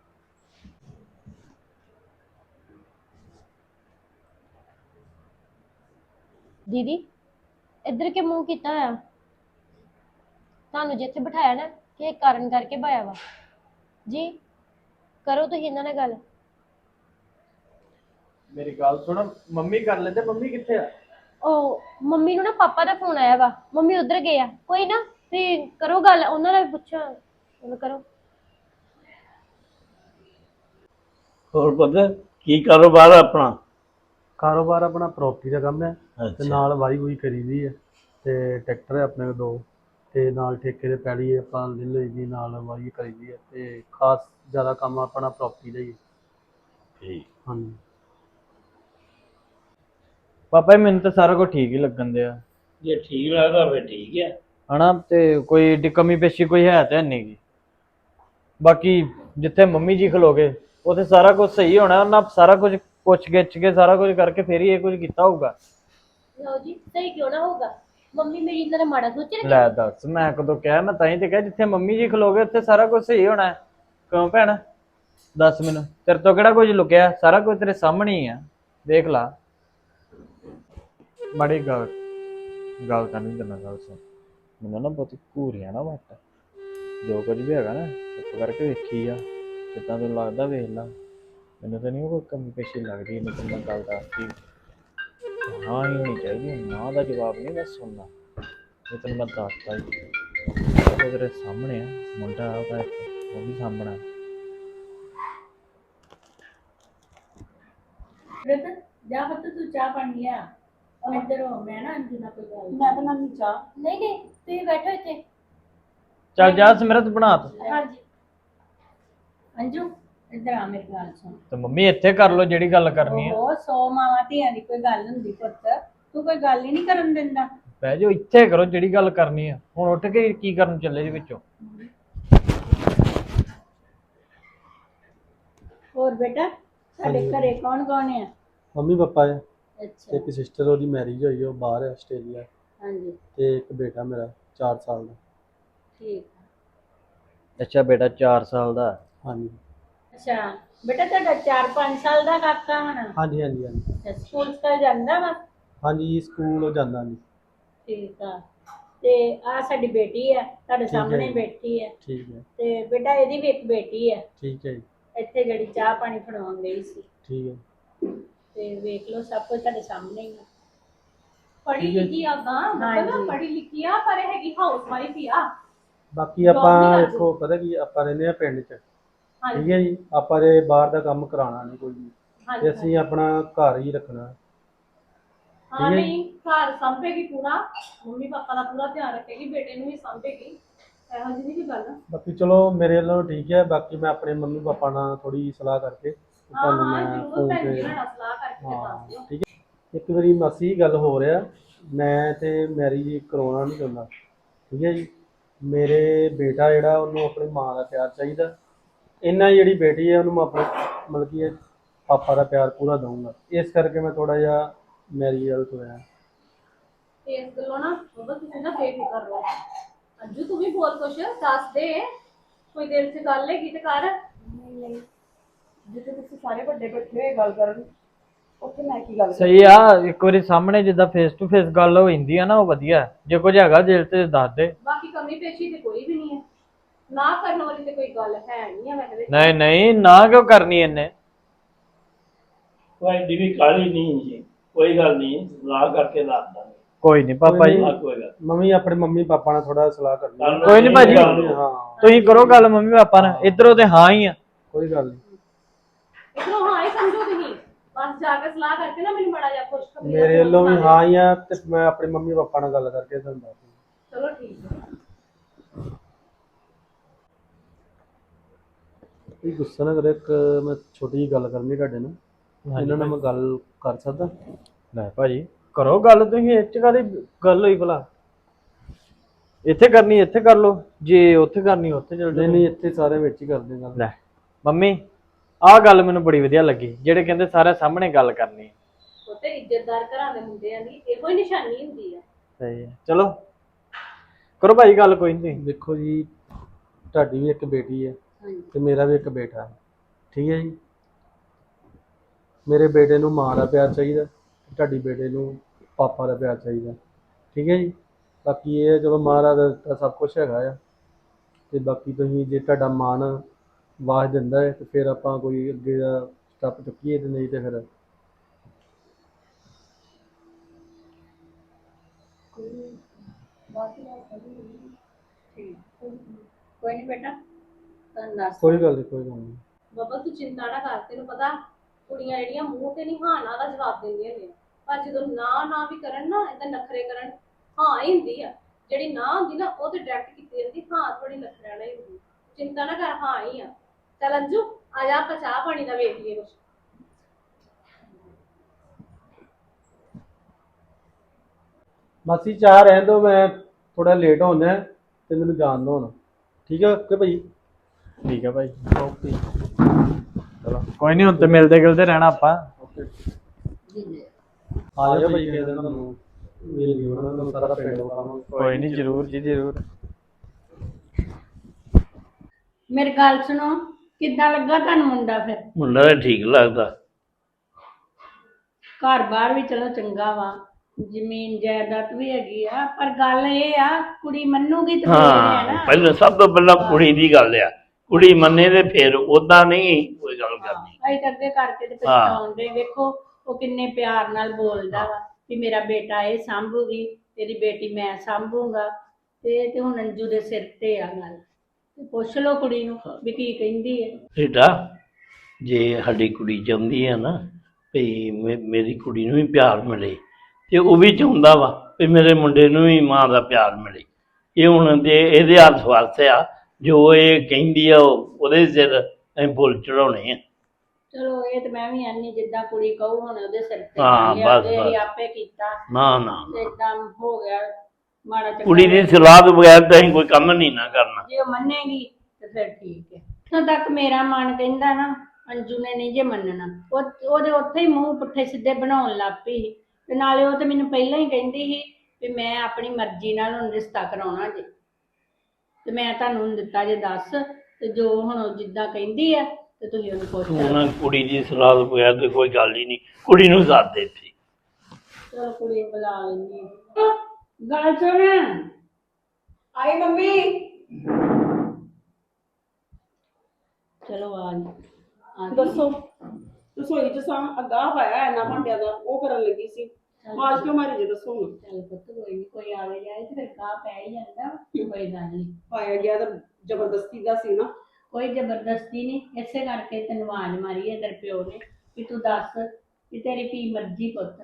ਦੀਦੀ ਇੱਧਰ ਕੇ ਮੂੰਹ ਕੀਤਾ ਹੋਇਆ? ਤੁਹਾਨੂੰ ਜਿੱਥੇ ਬਿਠਾਇਆ ਨਾ, ਕਿ ਕਾਰਨ ਕਰਕੇ ਬਾਇਆ ਵਾ ਜੀ। ਕਰੋ ਤੁਸੀਂ ਇਹਨਾਂ ਨਾਲ ਗੱਲ।
ਮੇਰੀ ਗੱਲ ਸੁਣ, ਮੰਮੀ ਕਰ ਲੈਂਦੇ। ਮੰਮੀ ਕਿੱਥੇ ਆ?
ਉਹ ਮੰਮੀ ਨੂੰ ਨਾ ਪਾਪਾ ਦਾ ਫੋਨ ਆਇਆ ਵਾ, ਮੰਮੀ ਉਧਰ ਗਏ ਆ। ਕੋਈ ਨਾ ਤੁਸੀਂ ਕਰੋ ਗੱਲ, ਉਹਨਾਂ ਨਾਲ ਵੀ ਪੁੱਛੋ, ਉਹਨੂੰ ਕਰੋ।
ਹੋਰ ਪਤਾ ਕੀ ਕਾਰੋਬਾਰ ਆ ਆਪਣਾ?
ਕਾਰੋਬਾਰ ਆਪਣਾ ਪ੍ਰੋਪਰਟੀ ਦਾ ਕੰਮ ਹੈ, ਤੇ ਨਾਲ ਵਾਈ ਵੂਈ ਕਰੀਦੀ ਹੈ, ਤੇ ਟਰੈਕਟਰ ਹੈ ਆਪਣੇ ਕੋਲ ਦੋ, ਤੇ ਨਾਲ ਠੇਕੇ ਦੇ ਪੈਲੀ ਆਪਾਂ ਲੈ ਲਈ ਦੀ, ਨਾਲ ਵਾਈ ਕਰੀਦੀ ਹੈ, ਤੇ ਖਾਸ ਜ਼ਿਆਦਾ ਕੰਮ ਆਪਣਾ ਪ੍ਰੋਪਰਟੀ ਦਾ ਹੀ ਹੈ।
ਠੀਕ।
ਹਾਂਜੀ
ਪਾਪਾ ਜੀ, ਮੈਨੂੰ ਤਾਂ ਸਾਰਾ ਕੁਝ ਠੀਕ ਹੀ ਲੱਗਣ ਦਿਆ।
ਜੇ ਠੀਕ ਲੱਗਦਾ ਫਿਰ ਠੀਕ ਹੈ
ਹਨਾ, ਤੇ ਕੋਈ ਏਡੀ ਕਮੀ ਪੇਸ਼ੀ ਕੋਈ ਹੈ ਤਾਂ ਨਹੀਂ ਗੀ। ਬਾਕੀ ਜਿੱਥੇ ਮੰਮੀ ਜੀ ਖਲੋਗੇ ਉੱਥੇ ਸਾਰਾ ਕੁਝ ਸਹੀ ਹੋਣਾ। ਉਹਨਾਂ ਸਾਰਾ ਕੁਝ ਪੁੱਛ ਗਿੱਛ ਕੇ ਸਾਰਾ ਕੁਝ ਕਰਕੇ ਫੇਰ ਹੀ ਇਹ ਕੁਝ ਕੀਤਾ ਹੋਊਗਾ।
ਲਓ ਜੀ, ਸਹੀ ਕਿਉਂ ਨਾ ਹੋਊਗਾ? ਮੰਮੀ ਮੇਰੀ ਇਹਨਾਂ ਦਾ ਮਾੜਾ ਸੋਚ ਰਹੀ।
ਲੈ ਦੱਸ, ਮੈਂ ਕਦੋਂ ਕਿਹਾ? ਮੈਂ ਤਾਂ ਹੀ ਤੇ ਕਿਹਾ ਜਿੱਥੇ ਮੰਮੀ ਜੀ ਖਲੋਗੇ ਉੱਥੇ ਸਾਰਾ ਕੁਝ ਸਹੀ ਹੋਣਾ ਹੈ। ਕਿਉਂ ਭੈਣ, ਦੱਸ ਮੈਨੂੰ, ਤੇਰੇ ਤੋਂ ਕਿਹੜਾ ਕੁਝ ਲੁਕਿਆ? ਸਾਰਾ ਕੁਝ ਤੇਰੇ ਸਾਹਮਣੇ ਹੀ ਆ, ਦੇਖ ਲਾ। ਬੜੀ ਗੱਲ ਗੱਲ ਤਾਂ ਨਹੀਂ ਕਰਨਾ। ਗੱਲ ਸੁਣ, ਮੈਨੂੰ ਨਾ ਬਹੁਤੀ ਘੂਰੀਆਂ ਨਾ ਵੱਟ। ਜੋ ਕੁਝ ਵੀ ਹੈਗਾ ਨਾ ਚੁੱਪ ਕਰਕੇ ਵੇਖੀ ਆ, ਜਿੱਦਾਂ ਤੈਨੂੰ ਲੱਗਦਾ ਵੇਖ ਲਾ। ਮੈਨੂੰ ਤਾਂ ਨਹੀਂ ਕੋਈ ਕਮੀ ਪੇਸ਼ੀ ਲੱਗਦੀ। ਇਹਨੂੰ ਤਾਂ ਮੈਂ ਗੱਲ ਦੱਸਦੀ, ਹਾਂ ਹੀ ਨਹੀਂ ਚਾਹੀਦੀ, ਨਾ ਦਾ ਜਵਾਬ ਨਹੀਂ ਮੈਂ ਸੁਣਨਾ। ਇਹ ਤੈਨੂੰ ਮੈਂ ਦੱਸਤਾ ਹੀ, ਉਹ ਤੇਰੇ ਸਾਹਮਣੇ ਆ। ਮੁੰਡਾ ਉਹਦਾ ਇੱਕ, ਉਹ ਵੀ ਸਾਹਮਣਾ।
ਜਾ ਪੁੱਤ ਤੂੰ ਚਾਹ ਪਾਣੀ ਆ, ਇੱਧਰ ਹੋ। ਮੈਂ ਨਾ ਅੰਜੂ ਨਾਲ ਕੋਈ ਗੱਲ।
ਮੈਂ ਬਣਾਉਣੀ ਚਾਹ।
ਨਹੀਂ ਨਹੀਂ, ਤੁਸੀਂ ਬੈਠੋ ਇੱਥੇ।
ਚੱਲ ਜਾ ਸਿਮਰਤ, ਬਣਾ ਤੂੰ।
ਹਾਂਜੀ।
ਅੰਜੂ ਇੱਧਰ ਆ ਮੇਰੀ ਗੱਲ ਸੁਣ।
ਤੇ ਮੰਮੀ ਇੱਥੇ ਕਰ ਲਓ ਜਿਹੜੀ ਗੱਲ ਕਰਨੀ ਆ।
ਉਹ ਸੌ ਮਾਵਾਂ ਧੀਆਂ ਦੀ ਕੋਈ ਗੱਲ ਹੁੰਦੀ ਪੁੱਤ, ਤੂੰ ਕੋਈ ਗੱਲ ਹੀ ਨਹੀਂ ਕਰਨ ਦਿੰਦਾ।
ਬਹਿ ਜਾਓ ਇੱਥੇ ਕਰੋ ਜਿਹੜੀ ਗੱਲ ਕਰਨੀ ਆ। ਹੁਣ ਉੱਠ ਕੇ ਕੀ ਕਰਨ ਚੱਲੇ ਜੀ ਵਿੱਚੋਂ?
ਹੋਰ ਬੇਟਾ ਸਾਡੇ ਘਰੇ ਕੌਣ ਕੌਣ ਆ?
ਮੰਮੀ ਪਾਪਾ ਹੈ,
ਅੱਛਾ
ਇੱਕ ਸਿਸਟਰ ਉਹਦੀ ਮੈਰਿਜ ਹੋਈ, ਉਹ ਬਾਹਰ ਹੈ ਆਸਟ੍ਰੇਲੀਆ,
ਹਾਂਜੀ
ਤੇ ਇੱਕ ਬੇਟਾ ਮੇਰਾ ਚਾਰ ਸਾਲ ਦਾ।
ਠੀਕ।
ਅੱਛਾ ਬੇਟਾ ਚਾਰ ਸਾਲ ਦਾ।
ਹਾਂਜੀ
ਅੱਛਾ ਬੇਟਾ ਤੁਹਾਡਾ ਚਾਰ ਪੰਜ ਸਾਲ ਦਾ ਕਾਕਾ ਹੋਣਾ?
ਹਾਂਜੀ ਹਾਂਜੀ ਹਾਂਜੀ
ਅੱਛਾ, ਸਕੂਲ ਸਕਾਲ ਜਾਂਦਾ ਵਾ?
ਹਾਂਜੀ ਸਕੂਲ ਉਹ ਜਾਂਦਾ ਜੀ।
ਠੀਕ ਆ। ਤੇ ਆ ਸਾਡੀ ਬੇਟੀ ਆ ਤੁਹਾਡੇ
ਹੈ
ਸਾਹਮਣੇ
ਜੀ।
ਬੈਠੀ ਹੈ।
ਠੀਕ ਹੈ
ਤੇ ਬੇਟਾ ਇਹਦੀ ਵੀ ਇੱਕ ਬੇਟੀ ਹੈ
ਠੀਕ ਹੈ ਜੀ
ਇੱਥੇ ਜਿਹੜੀ ਚਾਹ ਪਾਣੀ ਫੜਾਉਣ ਗਈ ਸੀ।
ਠੀਕ ਹੈ।
ਤੇ ਵੇਖ ਲਓ ਸਭ ਕੁਝ ਤੁਹਾਡੇ ਸਾਹਮਣੇ ਹੀ ਆ।
ਪੜ੍ਹੀ ਲਿਖੀ ਆ ਗਾਂ ਮਤਲਬ
ਹਾਂਜੀ।
ਪੜ੍ਹੀ ਲਿਖੀ ਆ ਪਰ ਹੈਗੀ ਹਾਊਸ ਵਾਈਫ ਹੀ ਆ।
ਬਾਕੀ
Job
ਆਪਾਂ
ਨਹੀਂ
ਦੇਖੋ ਪਤਾ ਕੀ ਆਪਾਂ ਰਹਿੰਦੇ ਆ ਪਿੰਡ 'ਚ,
ਹਾਂਜੀ
ਠੀਕ ਹੈ ਜੀ। ਆਪਾਂ ਦੇ ਬਾਹਰ ਦਾ ਕੰਮ ਕਰਾਉਣਾ ਨਹੀਂ ਕੋਈ ਵੀ, ਤੇ
ਹਾਂਜੀ
ਅਸੀਂ ਆਪਣਾ ਘਰ ਹੀ ਰੱਖਣਾ।
ਹਾਂ
ਠੀਕ ਹੈ।
ਨਹੀਂ ਘਰ ਸੰਭੇਗੀ ਪੂਰਾ, ਮੰਮੀ ਪਾਪਾ ਦਾ ਪੂਰਾ ਧਿਆਨ ਰੱਖੇਗੀ, ਬੇਟੇ ਨੂੰ ਵੀ ਸੰਭੇਗੀ, ਇਹੋ ਜਿਹੀ ਨਹੀਂ ਕੋਈ ਗੱਲ।
ਬਾਕੀ ਚਲੋ ਮੇਰੇ ਵੱਲੋਂ ਠੀਕ ਹੈ। ਬਾਕੀ ਮੈਂ ਆਪਣੇ ਮੰਮੀ ਪਾਪਾ ਨਾਲ ਥੋੜੀ ਸਲਾਹ ਕਰਕੇ ਤੇ
ਹਾਂ
ਤੁਹਾਨੂੰ
ਹਾਂ
ਮੈਂ
ਜ਼ਰੂਰ
ਫੋਨ
ਭੈਣ
ਤੇ
ਜੀ ਨਾਲ ਸਲਾਹ ਕਰਕੇ ਫਿਰ ਦੱਸ ਦਿਓ।
ਹਾਂ ਠੀਕ ਹੈ। ਇੱਕ ਵਾਰੀ ਮਾਸੀ ਗੱਲ ਹੋ ਰਿਹਾ, ਮੈਂ ਤੇ ਮੈਰਿਜ ਕਰਾਉਣਾ ਨਹੀਂ ਚਾਹੁੰਦਾ, ਠੀਕ ਹੈ ਜੀ। ਮੇਰੇ ਬੇਟਾ ਜਿਹੜਾ ਉਹਨੂੰ ਆਪਣੀ ਮਾਂ ਦਾ ਪਿਆਰ ਚਾਹੀਦਾ, ਇਹਨਾਂ ਜਿਹੜੀ ਬੇਟੀ ਹੈ ਉਹਨੂੰ ਮੈਂ ਆਪਣੇ ਮਤਲਬ ਕਿ ਪਾਪਾ ਦਾ ਪਿਆਰ ਪੂਰਾ ਦਊਂਗਾ। ਇਸ ਕਰਕੇ ਮੈਂ ਥੋੜਾ ਜਿਹਾ ਮੈਰਿਜ ਵੱਲ ਤੁਰਿਆ।
ਇਸ ਗੱਲੋਂ ਨਾ ਬਾਬਾ ਤੁਸੀਂ ਨਾ ਬੇਫਿਕਰ ਰਹੋ। ਅੰਜੂ ਤੂੰ ਵੀ ਬਹੁਤ ਕੁਛ ਦੱਸ ਦੇ, ਕੋਈ ਦਿਲ 'ਚ ਗੱਲ ਹੈਗੀ ਤੇ ਕਰ।
ਜਿੱਥੇ ਤੁਸੀਂ ਸਾਰੇ ਵੱਡੇ ਬੈਠੇ ਹੋਏ ਗੱਲ ਕਰਨ, ਉੱਥੇ ਮੈਂ ਕੀ ਗੱਲ ਕਰਾਂ?
ਸਹੀ ਆ, ਇੱਕ ਵਾਰੀ ਸਾਹਮਣੇ ਜਿੱਦਾਂ ਫੇਸ ਟੂ ਫੇਸ ਗੱਲ ਹੋ ਜਾਂਦੀ ਆ ਨਾ, ਉਹ ਵਧੀਆ। ਜੇ ਕੁਝ ਹੈਗਾ ਦਿਲ ਤੇ ਦੱਸ ਦੇ।
ਬਾਕੀ ਕਮੀ ਪੇਸ਼ੀ ਤੇ ਕੋਈ ਵੀ ਨਹੀਂ ਹੈ, ਨਾ ਕਰਨ ਵਾਲੀ ਤੇ ਕੋਈ ਗੱਲ ਹੈ ਨਹੀਂ ਆ। ਵੈਸੇ
ਨਹੀਂ ਨਹੀਂ ਨਾ ਕਿਉਂ ਕਰਨੀ ਇਹਨੇ?
ਕੋਈ ਏਡੀ ਵੀ ਕਾਹਲੀ ਨਹੀਂ ਜੀ, ਕੋਈ ਗੱਲ ਨਹੀਂ, ਸਲਾਹ ਕਰਕੇ ਦੱਸ ਦਾਂਗੇ।
ਕੋਈ ਨਹੀਂ ਪਾਪਾ ਜੀ।
ਕੋਈ
ਆਹ ਕੋਈ ਗੱਲ
ਮੰਮੀ ਆਪਣੇ ਮੰਮੀ ਪਾਪਾ ਨਾਲ ਥੋੜਾ ਸਲਾਹ ਕਰਨੀ ਹੈ।
ਕਰ
ਕੋਈ ਨੀ ਭਾਜੀ।
ਹਾਂ
ਤੁਸੀਂ ਕਰੋ ਗੱਲ ਮੰਮੀ ਪਾਪਾ ਨਾਲ, ਇਧਰੋਂ ਤੇ ਹਾਂ ਹੀ ਆ।
ਕੋਈ ਗੱਲ ਨਹੀਂ।
ਇਧਰੋਂ ਹਾਂ ਹੀ ਸਮਝੋ ਤੁਸੀਂ, ਬਸ ਜਾ ਕੇ ਸਲਾਹ ਕਰਕੇ ਨਾ ਮੈਨੂੰ ਬੜਾ ਜਿਹਾ ਖੁਸ਼ਖਬਰੀ
ਮੇਰੇ ਵੱਲੋਂ ਵੀ ਹਾਂ ਹੀ ਆ, ਤੇ ਮੈਂ ਆਪਣੇ ਮੰਮੀ ਪਾਪਾ ਨਾਲ ਗੱਲ ਕਰਕੇ ਤੁਹਾਨੂੰ ਦੱਸ ਦੂੰਗਾ।
ਚਲੋ ਠੀਕ ਹੈ।
ਤੁਸੀਂ ਗੁੱਸਾ ਨਾ ਕਰੋ, ਇੱਕ ਮੈਂ ਛੋਟੀ ਜਿਹੀ ਗੱਲ ਕਰਨੀ ਤੁਹਾਡੇ ਨਾਲ, ਇਹਨਾਂ ਨਾਲ ਮੈਂ ਗੱਲ ਕਰ ਸਕਦਾ?
ਲੈ ਭਾਜੀ ਕਰੋ ਗੱਲ, ਤੁਸੀਂ ਇਹ ਚ ਕਾਹਦੀ ਗੱਲ ਹੋਈ ਭਲਾ? ਇੱਥੇ ਕਰਨੀ ਇੱਥੇ ਕਰ ਲਓ, ਜੇ ਉੱਥੇ ਕਰਨੀ ਉੱਥੇ ਚਲ
ਨਹੀਂ
ਜਾਓ।
ਨਹੀਂ ਇੱਥੇ ਸਾਰੇ ਵਿੱਚ ਹੀ ਕਰਦੇ ਗੱਲ।
ਲੈ ਮੰਮੀ ਆਹ ਗੱਲ ਮੈਨੂੰ ਬੜੀ ਵਧੀਆ ਲੱਗੀ, ਜਿਹੜੇ ਕਹਿੰਦੇ ਸਾਰੇ ਸਾਹਮਣੇ ਗੱਲ ਕਰਨੀ।
ਉਹ ਤੇ ਇੱਜ਼ਤਦਾਰ ਘਰਾਂ ਦੇ ਮੁੰਡਿਆਂ ਦੀ ਇਹੋ ਹੀ ਨਿਸ਼ਾਨੀ ਹੁੰਦੀ ਆ।
ਸਹੀ ਹੈ, ਚਲੋ ਕਰੋ ਭਾਈ ਗੱਲ। ਕੋਈ ਨਹੀਂ
ਦੇਖੋ ਜੀ, ਤੁਹਾਡੀ ਵੀ ਇੱਕ ਬੇਟੀ ਹੈ
ਹਾਂਜੀ
ਤੇ ਮੇਰਾ ਵੀ ਇੱਕ ਬੇਟਾ ਹੈ, ਠੀਕ ਹੈ ਜੀ। ਮੇਰੇ ਬੇਟੇ ਨੂੰ ਮਾਂ ਦਾ ਪਿਆਰ ਚਾਹੀਦਾ, ਤੁਹਾਡੀ ਬੇਟੇ ਨੂੰ ਪਾਪਾ ਦਾ ਪਿਆਰ ਚਾਹੀਦਾ, ਠੀਕ ਹੈ ਜੀ। ਬਾਕੀ ਇਹ ਹੈ ਚਲੋ ਮਹਾਰਾਜ ਦਾ ਸਭ ਕੁਝ ਹੈਗਾ ਆ, ਤੇ ਬਾਕੀ ਤੁਸੀਂ ਜੇ ਤੁਹਾਡਾ ਮਨ ਆਵਾਜ਼ ਦਿੰਦਾ ਹੈ ਤੇ ਫਿਰ ਆਪਾਂ ਕੋਈ ਅੱਗੇ ਦਾ ਸਟੈਪ ਚੁੱਕੀਏ, ਤੇ ਨਹੀਂ ਤੇ ਫਿਰ
ਕੋਈ ਨਹੀਂ ਬੇਟਾ ਤੁਹਾਨੂੰ ਦੱਸ
ਕੋਈ ਗੱਲ ਨਹੀਂ ਕੋਈ ਗੱਲ ਨਹੀਂ।
ਬਾਬਾ ਤੂੰ ਚਿੰਤਾ ਨਾ ਕਰ, ਤੈਨੂੰ ਪਤਾ ਕੁੜੀਆਂ ਜਿਹੜੀਆਂ ਮੂੰਹ ਤੇ ਨਹੀਂ ਹਾਂ ਨਾ ਦਾ ਜਵਾਬ ਦਿੰਦੀਆਂ ਨੇ, ਪਰ ਜਦੋਂ ਨਾ ਨਾ ਵੀ ਕਰਨ ਨਾ ਏਦਾਂ ਨਖਰੇ ਕਰਨ, ਹਾਂ ਹੀ ਹੁੰਦੀ ਆ। ਜਿਹੜੀ ਨਾ ਹੁੰਦੀ ਨਾ ਉਹ ਤੇ ਡਾਇਰੈਕਟ ਕੀਤੀ ਜਾਂਦੀ, ਹਾਂ ਥੋੜੀ ਨਖਰਿਆਂ ਨਾਲ ਹੀ ਹੁੰਦੀ। ਚਿੰਤਾ ਨਾ ਕਰ, ਹਾਂ ਹੀ ਆ। ਚੱਲ ਅੰਜੂ ਆ ਜਾ, ਆਪਾਂ ਚਾਹ ਪਾਣੀ ਦਾ ਵੇਖ ਲਈਏ ਕੁਛ।
ਮਾਸੀ ਚਾਹ ਰਹਿਣ ਦਿਓ, ਮੈਂ ਥੋੜਾ ਲੇਟ ਹੋਣਾ ਤੇ ਮੈਨੂੰ ਜਾਣ ਦਿਓ ਹੁਣ, ਠੀਕ ਹੈ ਓਕੇ ਭਾਈ।
ਠੀਕ ਹੈ ਭਾਈ।
ਓਕੇ
ਚਲੋ ਕੋਈ ਨਹੀਂ, ਹੁਣ ਤੇ ਮਿਲਦੇ ਗਿਲਦੇ ਰਹਿਣਾ ਆਪਾਂ।
ਓਕੇ ਆ ਜਾਓ ਭਾਈ, ਕਿਸੇ ਦਿਨ ਤੁਹਾਨੂੰ ਮਿਲ ਗਈ ਉਹਨਾਂ ਨੂੰ ਸਾਰਾ ਪਿੰਡ ਵਿਖਾਵਾਂਗੇ।
ਕੋਈ ਨਹੀਂ, ਜ਼ਰੂਰ ਜੀ ਜ਼ਰੂਰ।
ਮੇਰੀ ਗੱਲ ਸੁਣੋ, ਕਿੱਦਾਂ ਲੱਗਾ ਤੁਹਾਨੂੰ ਮੁੰਡਾ? ਫਿਰ
ਮੁੰਡਾ ਤਾਂ ਠੀਕ ਲੱਗਦਾ।
ਘਰ ਬਾਹਰ ਵੀ ਚਲੋ ਚੰਗਾ ਵਾ, ਜ਼ਮੀਨ ਜਾਇਦਾਦ ਵੀ ਹੈਗੀ ਆ, ਪਰ ਗੱਲ ਇਹ ਆ ਕੁੜੀ ਮੰਨੂਗੀ ਤੇ ਫੇਰ ਹੈ
ਹਾਂ
ਨਾ।
ਪਹਿਲਾਂ ਸਭ ਤੋਂ ਪਹਿਲਾਂ ਕੁੜੀ ਦੀ ਗੱਲ ਆ, ਕੁੜੀ ਮੰਨੇ ਤੇ ਫਿਰ ਉਦਾਂ ਨਹੀਂ ਕੋਈ ਗੱਲ ਕਰਨੀ।
ਅਸੀਂ ਤਾਂ ਅੱਗੇ ਕਰਕੇ ਤੇ ਪਛਤਾਉਂਦੇ, ਵੇਖੋ ਉਹ ਕਿੰਨੇ ਪਿਆਰ ਨਾਲ ਬੋਲਦਾ ਵਾ ਵੀ ਮੇਰਾ ਬੇਟਾ ਇਹ ਸਾਂਭੂਗੀ, ਤੇਰੀ ਬੇਟੀ ਮੈਂ ਸਾਂਭੂਗਾ। ਤੇ ਇਹ ਤੇ ਹੁਣ ਅੰਜੂ ਦੇ ਸਿਰ ਤੇ ਆ ਗੱਲ, ਤੇ ਪੁੱਛ ਲਓ ਕੁੜੀ ਨੂੰ ਵੀ ਕੀ ਕਹਿੰਦੀ ਹੈ।
ਬੇਟਾ ਜੇ ਸਾਡੀ ਕੁੜੀ ਚਾਹੁੰਦੀ ਹੈ ਨਾ ਵੀ ਮੇ- ਮੇਰੀ ਕੁੜੀ ਨੂੰ ਵੀ ਪਿਆਰ ਮਿਲੇ, ਤੇ ਉਹ ਵੀ ਚਾਹੁੰਦਾ ਵਾ ਵੀ ਮੇਰੇ ਮੁੰਡੇ ਨੂੰ ਵੀ ਮਾਂ ਦਾ ਪਿਆਰ ਮਿਲੇ। ਇਹ ਹੁਣ ਦੇ ਇਹਦੇ ਹੱਥ ਵਾਸਤੇ ਆ, ਜੋ ਇਹ ਕਹਿੰਦੀ ਆ ਉਹ ਉਹਦੇ ਸਿਰ ਅਸੀਂ ਫੁੱਲ ਚੜਾਉਣੇ ਆ।
ਚਲੋ ਇਹ ਤੇ ਮੈਂ ਵੀ ਆਨੀ ਜਿੱਦਾਂ ਕੁੜੀ ਕਹੂ ਹੁਣ ਉਹਦੇ ਸਿਰ ਤੇ
ਹਾਂ,
ਕਰ ਲਿਆ
ਬਸ,
ਤੇ ਅਸੀਂ
ਬਸ।
ਆਪੇ ਕੀਤਾ
ਨਾ ਨਾ
ਤੇ ਏਦਾਂ ਹੋ ਗਿਆ ਮਾੜਾ ਚੰਗਾ।
ਕੁੜੀ ਦੀ ਸਲਾਹ ਤੋਂ ਬਗੈਰ ਤਾਂ ਅਸੀਂ ਕੋਈ ਕੰਮ ਨਹੀਂ ਨਾ ਕਰਨਾ।
ਜੇ ਉਹ ਮੰਨੇਗੀ ਤੇ ਫਿਰ ਠੀਕ ਹੈ। ਇੱਥੋਂ ਤੱਕ ਮੇਰਾ ਮਨ ਕਹਿੰਦਾ ਨਾ ਅੰਜੂ ਨੇ ਨਹੀਂ ਜੇ ਮੰਨਣਾ, ਉਹ ਉਹਦੇ ਉੱਥੇ ਹੀ ਮੂੰਹ ਪੁੱਠੇ ਸਿੱਧੇ ਬਣਾਉਣ ਲੱਗ ਪਈ ਸੀ ਤੇ ਨਾਲੇ ਉਹ ਤੇ ਮੈਨੂੰ ਪਹਿਲਾਂ ਹੀ ਕਹਿੰਦੀ ਸੀ ਵੀ ਮੈਂ ਆਪਣੀ ਮਰਜ਼ੀ ਨਾਲ ਹੁਣ ਰਿਸ਼ਤਾ ਕਰਾਉਣਾ ਜੇ ਤੇ ਮੈਂ ਤੁਹਾਨੂੰ ਹੁਣ ਦਿੱਤਾ ਜੇ ਦੱਸ ਤੇ ਜੋ ਹੁਣ ਉਹ ਜਿੱਦਾਂ ਕਹਿੰਦੀ ਆ ਤੇ ਤੁਸੀਂ ਉਹਨੂੰ ਪੁੱਛ
ਤੂੰ
ਲਓ।
ਨਾ ਕੁੜੀ ਦੀ ਸਲਾਹ ਤੋਂ ਬਗੈਰ ਤਾਂ ਕੋਈ ਗੱਲ ਹੀ ਨਹੀਂ, ਕੁੜੀ ਨੂੰ ਸਾਥ ਦੇ ਇੱਥੇ।
ਚਲੋ ਕੁੜੀ ਨੂੰ ਬੁਲਾ ਲੈਂਦੀ ਹਾਂ। ਗੱਲ ਸੁਣ
ਆਈ ਮੰਮੀ।
ਚਲੋ ਆ ਗਈ, ਆ ਗਈ।
ਦੱਸੋ ਰਸੋਈ ਚ ਸਾਂ ਅੱਗਾ ਪਾਇਆ ਇੰਨਾ ਭਾਂਡਿਆਂ ਦਾ, ਉਹ ਕਰਨ ਲੱਗੀ ਸੀ। ਆਵਾਜ਼ ਕਿਉਂ ਮਾਰੀ ਜੇ ਦੱਸੋ ਹੁਣ।
ਚੱਲ ਪੁੱਤ ਕੋਈ ਨੀ, ਕੋਈ ਆਵੇ ਜਾਏ ਤੇ ਫਿਰ ਕਾਹ ਪੈ ਹੀ ਜਾਂਦਾ, ਕੋਈ ਗੱਲ ਨਹੀਂ।
ਪਾਇਆ ਗਿਆ ਤਾਂ ਜ਼ਬਰਦਸਤੀ ਦਾ ਸੀ ਨਾ।
ਕੋਈ ਜ਼ਬਰਦਸਤੀ ਨਹੀਂ, ਇਸੇ ਕਰਕੇ ਤੈਨੂੰ ਆਵਾਜ਼ ਮਾਰੀ ਹੈ ਤੇਰੇ ਪਿਓ ਨੇ ਵੀ ਤੂੰ ਦੱਸ ਵੀ ਤੇਰੀ ਕੀ ਮਰਜ਼ੀ ਪੁੱਤ।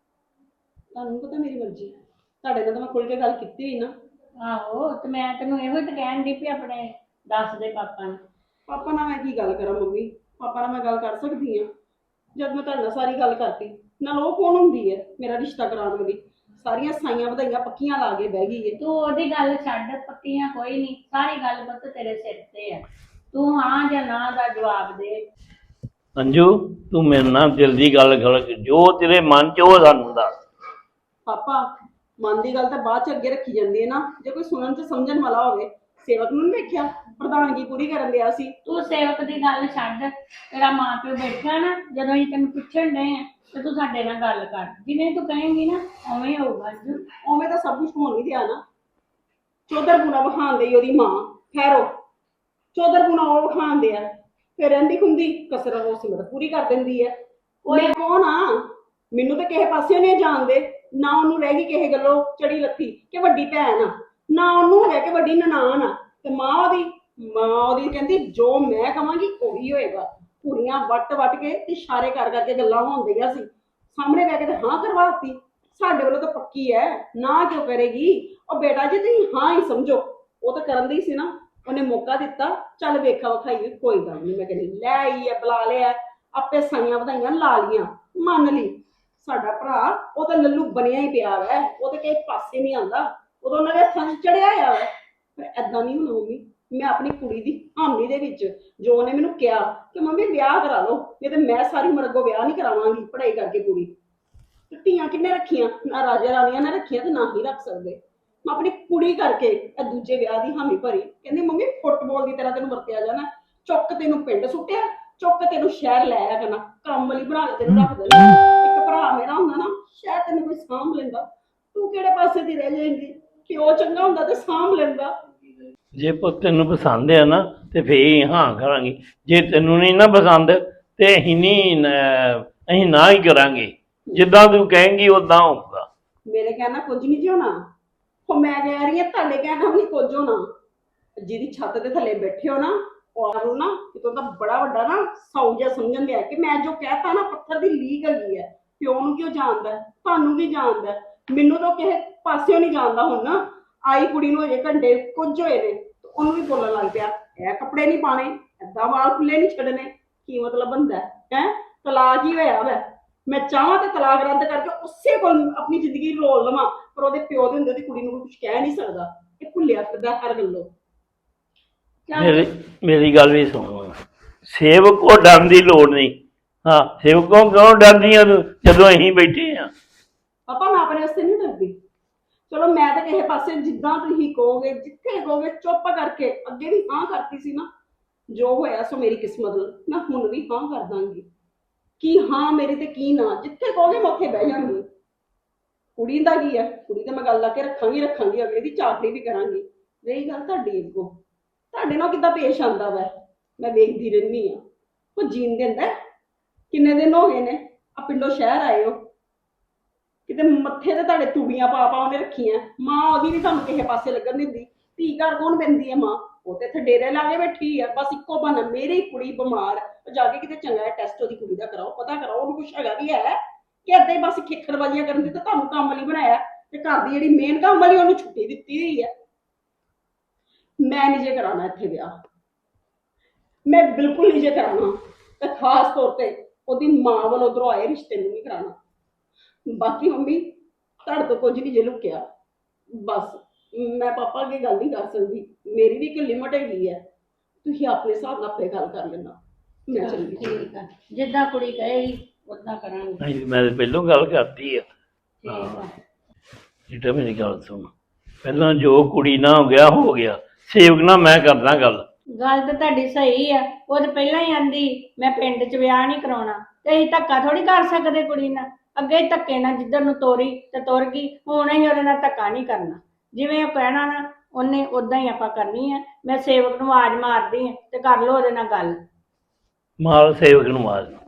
ਤੁਹਾਨੂੰ ਪਤਾ ਮੇਰੀ ਮਰਜ਼ੀ, ਤੁਹਾਡੇ ਨਾਲ ਤਾਂ ਮੈਂ ਖੁੱਲ ਕੇ ਗੱਲ ਕੀਤੀ ਹੋਈ ਨਾ।
ਆਹੋ ਤੇ ਮੈਂ ਤੈਨੂੰ ਇਹੋ ਤਾਂ ਕਹਿਣ ਦੀ ਵੀ ਆਪਣੇ ਦੱਸ ਦੇ ਪਾਪਾ ਨੂੰ।
ਪਾਪਾ ਨਾਲ ਮੈਂ ਕੀ ਗੱਲ ਕਰਾਂ ਮੰਮੀ, ਪਾਪਾ ਨਾਲ ਮੈਂ ਗੱਲ ਕਰ ਸਕਦੀ ਹਾਂ ਜਦ ਮੈਂ ਤੁਹਾਡੇ ਨਾਲ ਸਾਰੀ ਗੱਲ ਕਰਤੀ। ਨਾਲ ਉਹ ਕੌਣ ਹੁੰਦੀ ਹੈ ਮੇਰਾ ਰਿਸ਼ਤਾ ਕਰਾਉਣ ਵਾਲੀ, ਸਾਰੀਆਂ ਸਾਈਆਂ ਵਧਾਈਆਂ ਪੱਕੀਆਂ ਲਾ ਕੇ ਬਹਿ ਗਈ ਹੈ।
ਤੂੰ ਉਹਦੀ ਗੱਲ ਛੱਡ, ਪੱਕੀਆਂ ਕੋਈ ਨਹੀਂ, ਸਾਰੀ ਗੱਲ ਪੁੱਤ ਤੇਰੇ ਸਿਰ ਤੇ ਆ। ਤੂੰ ਹਾਂ ਜਾਂ ਨਾ ਦਾ ਜਵਾਬ ਦੇ।
ਅੰਜੂ ਤੂੰ ਮੇਰੇ ਨਾਲ ਦਿਲ ਦੀ ਗੱਲ ਕਰ, ਜੋ ਤੇਰੇ ਮਨ ਚ ਉਹ ਸਾਨੂੰ ਦੱਸ।
ਪਾਪਾ ਮਨ ਦੀ ਗੱਲ ਤਾਂ ਬਾਅਦ ਚ ਅੱਗੇ ਰੱਖੀ ਜਾਂਦੀ ਹੈ ਨਾ, ਜੇ ਕੋਈ ਸੁਣਨ ਚ ਸਮਝਣ ਵਾਲਾ ਹੋਵੇ। ਸੇਵਕ ਨੂੰ ਨੀ ਵੇਖਿਆ ਪ੍ਰਧਾਨਗੀ ਪੂਰੀ ਕਰਨ ਦਿਆ ਸੀ।
ਤੂੰ ਸੇਵਕ ਦੀ ਗੱਲ ਛੱਡ, ਤੇਰਾ ਮਾਂ ਪਿਓ ਬੈਠਾ ਨਾ, ਜਦੋਂ ਅਸੀਂ ਤੈਨੂੰ ਪੁੱਛਣ ਡਏ ਆ ਤੇ ਤੂੰ ਸਾਡੇ ਨਾਲ ਗੱਲ ਕਰ, ਜਿਵੇਂ ਤੂੰ ਕਹੇਂਗੀ ਨਾ ਉਵੇਂ ਹੋਊਗਾ ਅੰਜੂ।
ਉਵੇਂ ਤਾਂ ਸਭ ਕੁਝ ਹੋਣ ਨਹੀਂ ਦਿਆ ਨਾ। ਚੌਧਰ ਪੁਣਾ ਵਿਖਾਣ ਦੇਈ ਉਹਦੀ ਮਾਂ, ਖੈਰੋ ਚੌਧਰ ਪੁਣਾ ਉਹ ਵਿਖਾਣ ਦਿਆ, ਫਿਰ ਰਹਿੰਦੀ ਖੁੰਦੀ ਕਸਰ ਉਹ ਸਿਮਰਤ ਪੂਰੀ ਕਰ ਦਿੰਦੀ ਹੈ। ਮੈਂ ਕੌਣ ਆ, ਮੈਨੂੰ ਤਾਂ ਕਿਸੇ ਪਾਸੇ ਨਹੀਂ ਜਾਣਦੇ ਨਾ। ਉਹਨੂੰ ਰਹਿ ਗਈ ਕਿਸੇ ਗੱਲੋਂ ਚੜੀ ਲੱਥੀ ਕਿ ਵੱਡੀ ਭੈਣ ਆ, ਨਾ ਉਹਨੂੰ ਹੈਗਾ ਕਿ ਵੱਡੀ ਨਨਾਣ ਆ। ਤੇ ਮਾਂ ਉਹਦੀ ਮਾਂ ਉਹਦੀ ਕਹਿੰਦੀ ਜੋ ਮੈਂ ਕਵਾਂਗੀ ਉਹੀ ਹੋਏਗਾ। ਕੁੜੀਆਂ ਵੱਟ ਵੱਟ ਕੇ ਤੇ ਇਸ਼ਾਰੇ ਕਰ ਕਰਕੇ ਗੱਲਾਂ ਹੋਣਦੀਆਂ ਸੀ, ਸਾਹਮਣੇ ਬਹਿ ਕੇ ਤੇ ਹਾਂ ਕਰਵਾਤੀ। ਸਾਡੇ ਵੱਲੋਂ ਤਾਂ ਪੱਕੀ ਹੈ, ਨਾ ਕਿਉਂ ਕਰੇਗੀ ਉਹ। ਬੇਟਾ ਜੀ ਤੁਸੀਂ ਹਾਂ ਹੀ ਸਮਝੋ, ਉਹ ਤਾਂ ਕਰਨ ਦੀ ਸੀ ਨਾ, ਉਹਨੇ ਮੌਕਾ ਦਿੱਤਾ, ਚੱਲ ਵੇਖਾ ਵਿਖਾਈ ਕੋਈ ਗੱਲ ਨਹੀਂ। ਮੈਂ ਕਹਿੰਦੀ ਲੈ ਆਈ ਹੈ, ਬੁਲਾ ਲਿਆ, ਆਪੇ ਸਾਈਆਂ ਵਧਾਈਆਂ ਲਾ ਲੀਆਂ, ਮੰਨ ਲਈ। ਸਾਡਾ ਭਰਾ ਉਹ ਤਾਂ ਲੱਲੂ ਬਣਿਆ ਹੀ ਪਿਆ ਵੈ, ਉਹ ਤਾਂ ਕਿਸੇ ਪਾਸੇ ਨਹੀਂ ਆਉਂਦਾ, ਉਦੋਂ ਉਹਨਾਂ ਦੇ ਹੱਥਾਂ 'ਚ ਚੜਿਆ ਹੋਇਆ ਵੈ। ਪਰ ਏਦਾਂ ਨਹੀਂ ਹੋਣਾ ਮੰਮੀ, ਮੈਂ ਆਪਣੀ ਕੁੜੀ ਦੀ ਹਾਮੀ ਦੇ ਵਿੱਚ ਜੋ ਉਹਨੇ ਮੈਨੂੰ ਕਿਹਾ ਕਿ ਮੰਮੀ ਵਿਆਹ ਕਰਾ ਲਓ, ਨਹੀਂ ਤੇ ਮੈਂ ਸਾਰੀ ਉਮਰ ਅੱਗੋਂ ਵਿਆਹ ਨਹੀਂ ਕਰਾਵਾਂਗੀ ਪੜ੍ਹਾਈ ਕਰਕੇ ਕੁੜੀ। ਤੇ ਧੀਆਂ ਕਿੰਨੇ ਰੱਖੀਆਂ, ਨਾ ਰਾਜਾ ਰਾਣੀਆਂ ਨੇ ਰੱਖੀਆਂ ਤੇ ਨਾ ਹੀ ਰੱਖ ਸਕਦੇ। ਮੈਂ ਆਪਣੀ ਕੁੜੀ ਕਰਕੇ ਇਹ ਦੂਜੇ ਵਿਆਹ ਦੀ ਹਾਮੀ ਭਰੀ। ਕਹਿੰਦੀ ਮੰਮੀ ਫੁੱਟਬਾਲ ਦੀ ਤਰ੍ਹਾਂ ਤੈਨੂੰ ਵਰਤਿਆ ਜਾਣਾ, ਚੁੱਕ ਤੈਨੂੰ ਪਿੰਡ ਸੁੱਟਿਆ, ਚੁੱਕ ਤੈਨੂੰ ਸ਼ਹਿਰ ਲੈ ਆਇਆ ਕਰਨਾ, ਕੰਮ ਵਾਲੀ ਬਣਾ ਕੇ ਤੈਨੂੰ ਰੱਖ ਦੇਣਾ। ਇੱਕ ਭਰਾ ਮੇਰਾ ਹੁੰਦਾ ਨਾ, ਸ਼ਾਇਦ ਤੈਨੂੰ ਕੋਈ ਸਾਂਭ ਲੈਂਦਾ, ਤੂੰ ਕਿਹੜੇ ਪਾਸੇ ਦੀ ਰਹਿ ਜਾਏਂਗੀ। ਪਿਓ ਚੰਗਾ ਹੁੰਦਾ ਤੇ ਸਾਂਭ ਲੈਂਦਾ।
ਜੇ ਪੁੱਤ ਤੈਨੂੰ ਪਸੰਦ ਆ ਨਾ ਤੇ ਫੇਰ ਹਾਂ ਕਰਾਂਗੇ, ਜੇ ਤੈਨੂੰ ਨਹੀਂ ਨਾ ਪਸੰਦ ਤੇ ਅਸੀਂ ਨਹੀਂ ਅਸੀਂ ਨਾ ਹੀ ਕਰਾਂਗੇ। ਜਿੱਦਾਂ ਤੂੰ ਕਹੇਂਗੀ ਉਦਾਂ ਹੋਊਗਾ।
ਮੇਰੇ ਕਹਿਣਾ ਕੁਝ ਨਹੀਂ ਜੀ ਹੋਣਾ, ਉਹ ਮੈਂ ਕਹਿ ਰਹੀ ਹਾਂ ਤੁਹਾਡੇ ਕਹਿਣਾ ਵੀ ਨਹੀਂ ਕੁਝ ਹੋਣਾ। ਜਿਹਦੀ ਛੱਤ ਦੇ ਥੱਲੇ ਬੈਠੇ ਹੋ ਨਾ, ਉਹ ਆਪ ਨੂੰ ਨਾ ਕਿਤੋਂ ਦਾ ਬੜਾ ਵੱਡਾ ਨਾ ਸੌ ਜਿਹਾ ਸਮਝਣ ਲਿਆ ਕਿ ਮੈਂ ਜੋ ਕਹਿਤਾ ਨਾ ਪੱਥਰ ਦੀ ਲੀਕ ਹੈਗੀ ਹੈ। ਪਿਓ ਨੂੰ ਕਿਉਂ ਜਾਣਦਾ, ਤੁਹਾਨੂੰ ਕੀ ਜਾਣਦਾ, ਮੈਨੂੰ ਤਾਂ ਕਿਸੇ ਪਾਸਿਓਂ ਨਹੀਂ ਜਾਣਦਾ। ਹੁਣ ਨਾ ਆਈ ਕੁੜੀ ਨੂੰ ਅਜੇ ਘੰਟੇ ਕੁਝ ਹੋਏ ਨੇ, ਉਹਨੂੰ ਵੀ ਬੋਲਣ ਲੱਗ ਪਿਆ ਇਹ ਕੱਪੜੇ ਨਹੀਂ ਪਾਣੇ, ਏਦਾਂ ਵਾਲ ਖੁੱਲੇ ਨਹੀਂ ਛੱਡਣੇ। ਕੀ ਮਤਲਬ ਬੰਦਾ ਹੈ, ਤਲਾਕ ਹੀ ਹੋਇਆ ਵੈ। ਮੈਂ ਚਾਹਾਂ ਤੇ ਤਲਾਕ ਰੱਦ ਕਰਕੇ ਉਸੇ ਕੋਲ ਆਪਣੀ ਜ਼ਿੰਦਗੀ ਰੋਲ ਲਵਾਂ, ਪਰ ਉਹਦੇ ਪਿਓ ਦੇ ਹੁੰਦੇ ਦੀ ਕੁੜੀ ਨੂੰ ਕੁਝ ਕਹਿ ਨਹੀਂ ਸਕਦਾ। ਇਹ ਭੁੱਲਿਆ ਫਿਰਦਾ ਹਰ ਗੱਲੋਂ।
ਮੇਰੀ ਮੇਰੀ ਗੱਲ ਵੀ ਸੁਣੋ, ਸੇਵਕ ਕੋ ਡਰਨ ਦੀ ਲੋੜ ਨਹੀਂ। ਹਾਂ ਸੇਵਕੋਂ ਕਿਉਂ ਡਰਦੀ ਆ ਤੂੰ ਜਦੋਂ ਅਸੀਂ ਬੈਠੇ ਆ।
ਪਾਪਾ ਮੈਂ ਆਪਣੇ ਵਾਸਤੇ ਨਹੀਂ ਡਰਦੀ। ਚਲੋ ਮੈਂ ਤਾਂ ਕਿਸੇ ਪਾਸੇ ਜਿੱਦਾਂ ਤੁਸੀਂ ਕਹੋਗੇ, ਜਿੱਥੇ ਕਹੋਗੇ ਚੁੱਪ ਕਰਕੇ, ਅੱਗੇ ਵੀ ਹਾਂ ਕਰਤੀ ਸੀ ਨਾ, ਜੋ ਹੋਇਆ ਸੋ ਮੇਰੀ ਕਿਸਮਤ ਨਾਲ, ਮੈਂ ਹੁਣ ਵੀ ਹਾਂ ਕਰ ਦਾਂਗੀ। ਕੀ ਹਾਂ ਮੇਰੀ ਤੇ ਕੀ ਨਾ, ਜਿੱਥੇ ਕਹੋਗੇ ਮੈਂ ਉੱਥੇ ਬਹਿ ਜਾਵਾਂਗੀ। ਕੁੜੀ ਦਾ ਕੀ ਹੈ, ਕੁੜੀ ਤੇ ਮੈਂ ਗੱਲ ਲਾ ਕੇ ਰੱਖਾਂਗੀ ਰੱਖਾਂਗੀ ਅਗਲੇ ਦੀ ਚਾਕਰੀ ਵੀ ਕਰਾਂਗੀ। ਰਹੀ ਗੱਲ ਤੁਹਾਡੀ ਅੱਗੋਂ, ਤੁਹਾਡੇ ਨਾਲ ਕਿੱਦਾਂ ਪੇਸ਼ ਆਉਂਦਾ ਵੈ, ਮੈਂ ਵੇਖਦੀ ਰਹਿੰਦੀ ਹਾਂ। ਉਹ ਜੀਣ ਦਿੰਦਾ, ਕਿੰਨੇ ਦਿਨ ਹੋ ਗਏ ਨੇ ਆ ਪਿੰਡੋਂ ਸ਼ਹਿਰ ਆਏ ਹੋ, ਕਿਤੇ ਮੱਥੇ ਤੇ ਤੁਹਾਡੇ ਤੂੜੀਆਂ ਪਾ ਪਾ ਉਹਨੇ ਰੱਖੀਆਂ। ਮਾਂ ਉਹਦੀ ਵੀ ਤੁਹਾਨੂੰ ਕਿਸੇ ਪਾਸੇ ਲੱਗਣ ਦਿੰਦੀ। ਧੀ ਘਰ ਕੌਣ ਪੈਂਦੀ ਹੈ ਮਾਂ, ਉਹ ਤੇ ਇੱਥੇ ਡੇਰੇ ਲਾ ਕੇ ਬੈਠੀ ਆ। ਬਸ ਇੱਕੋ ਬਹਾਨਾ, ਮੇਰੀ ਕੁੜੀ ਬਿਮਾਰ, ਉਹ ਜਾ ਕੇ ਕਿਤੇ ਚੰਗਾ ਟੈਸਟ ਉਹਦੀ ਕੁੜੀ ਦਾ ਕਰਾਓ, ਪਤਾ ਕਰਾਓ ਉਹਨੂੰ ਕੁਛ ਹੈਗਾ ਵੀ ਹੈ ਕਿ ਏਦਾਂ ਹੀ ਬਸ ਖੇਖੜਬਾਜ਼ੀਆਂ ਕਰਨ ਦੀ। ਤਾਂ ਤੁਹਾਨੂੰ ਕੰਮ ਵਾਲੀ ਬਣਾਇਆ ਤੇ ਘਰ ਦੀ ਜਿਹੜੀ ਮੇਨ ਕੰਮ ਵਾਲੀ ਉਹਨੂੰ ਛੁੱਟੀ ਦਿੱਤੀ ਹੋਈ ਹੈ। ਮੈਂ ਨਹੀਂ ਜੇ ਕਰਾਉਣਾ ਇੱਥੇ ਵਿਆਹ। ਮੈਂ ਬਿਲਕੁਲ ਨਹੀਂ ਜੇ ਕਰਾਉਣਾ, ਤੇ ਖਾਸ ਤੌਰ ਤੇ ਉਹਦੀ ਮਾਂ ਵੱਲੋਂ ਉਧਰੋਂ ਆਏ ਰਿਸ਼ਤੇ ਨੂੰ ਨਹੀਂ ਕਰਾਉਣਾ। ਬਾਕੀ ਮੰਮੀ ਤੁਹਾਡੇ ਤੋਂ ਕੁਝ ਨਹੀਂ ਜੇ ਲੁਕਿਆ, ਬਸ ਮੈਂ ਪਾਪਾ ਅੱਗੇ ਗੱਲ ਨਹੀਂ ਕਰ ਸਕਦੀ, ਮੇਰੀ ਵੀ ਇੱਕ ਲਿਮਟ ਹੈਗੀ ਹੈ, ਤੁਸੀਂ ਆਪਣੇ ਹਿਸਾਬ ਨਾਲ ਆਪੇ ਗੱਲ ਕਰ ਲੈਣਾ। ਮੈਂ ਚੱਲੀ।
ਠੀਕ ਆ, ਜਿੱਦਾਂ ਕੁੜੀ ਕਹੇਗੀ ਉਦਾਂ ਕਰਾਂਗੇ।
ਅਸੀਂ ਮੈਂ ਤਾਂ ਪਹਿਲੋਂ ਗੱਲ ਕਰਤੀ ਆ।
ਠੀਕ ਆ।
ਜਿਹੜਾ ਮੇਰੀ ਗੱਲ ਸੁਣ, ਪਹਿਲਾਂ ਜੋ ਕੁੜੀ ਨਾ ਹੋ ਗਿਆ ਹੋ ਗਿਆ, ਸੇਵਕ ਨਾਲ ਮੈਂ ਕਰਦਾ ਗੱਲ।
ਗੱਲ ਤਾਂ ਤੁਹਾਡੀ ਸਹੀ ਆ, ਉਹ ਤਾਂ ਪਹਿਲਾਂ ਹੀ ਆਂਦੀ ਮੈਂ ਪਿੰਡ 'ਚ ਵਿਆਹ ਨਹੀਂ ਕਰਾਉਣਾ, ਤੇ ਅਸੀਂ ਧੱਕਾ ਥੋੜੀ ਕਰ ਸਕਦੇ ਕੁੜੀ ਨਾਲ। ਅੱਗੇ ਹੀ ਧੱਕੇ ਨਾਲ ਜਿੱਧਰ ਨੂੰ ਤੋਰੀ ਤੇ ਤੁਰ ਗਈ, ਹੁਣ ਅਸੀਂ ਉਹਦੇ ਨਾਲ ਧੱਕਾ ਨਹੀਂ ਕਰਨਾ। ਜਿਵੇਂ ਉਹ ਕਹਿਣਾ ਨਾ ਉਹਨੇ ਉਦਾਂ ਹੀ ਆਪਾਂ ਕਰਨੀ ਆ। ਮੈਂ ਸੇਵਕ ਨੂੰ ਆਵਾਜ਼ ਮਾਰਦੀ ਆ ਤੇ ਕਰ ਲਓ ਉਹਦੇ ਨਾਲ ਗੱਲ।
ਮਾਲ ਸੇਵਕ ਨੂੰ ਮਾਰ